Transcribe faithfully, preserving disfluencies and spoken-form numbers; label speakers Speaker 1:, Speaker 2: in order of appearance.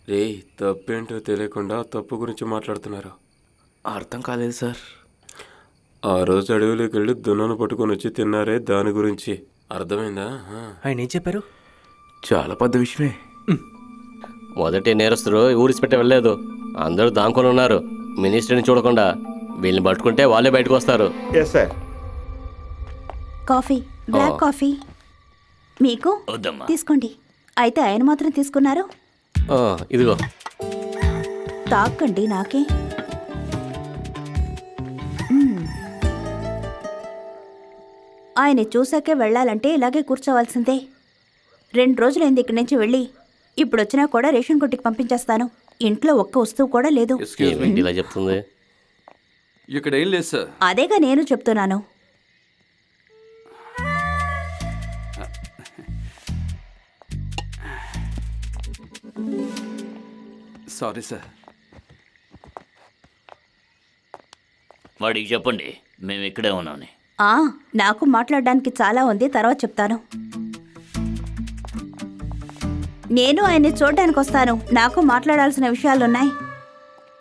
Speaker 1: రే తప్పేంటో తెలియకుండా తప్పు గురించి మాట్లాడుతున్నారు.
Speaker 2: అర్థం కాలేదు సార్.
Speaker 1: ఆ రోజు అడవిలోకి వెళ్ళి దున్నను పట్టుకొని వచ్చి తిన్నారే, దాని గురించి అర్థమైందా?
Speaker 2: ఆయన ఏం చెప్పారు?
Speaker 3: చాలా పెద్ద విషయమే.
Speaker 4: మొదటి నేరస్తులు ఊరిసిపెట్టి వెళ్ళలేదు, అందరూ దాంకొని ఉన్నారు. మినిస్టర్ని చూడకుండా వీళ్ళని పట్టుకుంటే వాళ్ళే బయటకు వస్తారు.
Speaker 3: Yes sir.
Speaker 5: Coffee, black coffee మీకు తీసుకోండి. అయితే ఆయన మాత్రం తీసుకున్నారు.
Speaker 4: ఆ, ఇదిగో
Speaker 5: తాకండి, నాకే. మ్మ్. ఆయన చూసాకే వెళ్ళాలంటే ఇలాగే కూర్చోవలసిందే. రెండు రోజులైంది ఇక్కడి నుంచి వెళ్ళి. ఇప్పుడు వచ్చినా కూడా రేషన్ కొట్టుకి పంపించేస్తాను. ఇంట్లో ఒక్క వస్తువు కూడా లేదు.
Speaker 4: ఏమిటి ఇలా చెప్తుంది?
Speaker 6: ఇక్కడ ఏం లేదు సార్.
Speaker 5: అదేగా నేను చెప్తున్నాను.
Speaker 6: Sorry sir.
Speaker 7: వాడికి చెప్పండి మేము ఇక్కడే ఉన్నామని.
Speaker 5: ఆ నాకు మాట్లాడడానికి చాలా ఉంది, తర్వాత చెప్తాను. నేను ఆయన్ని చూడడానికి వస్తాను, నాకు మాట్లాడాల్సిన విషయాలున్నాయి.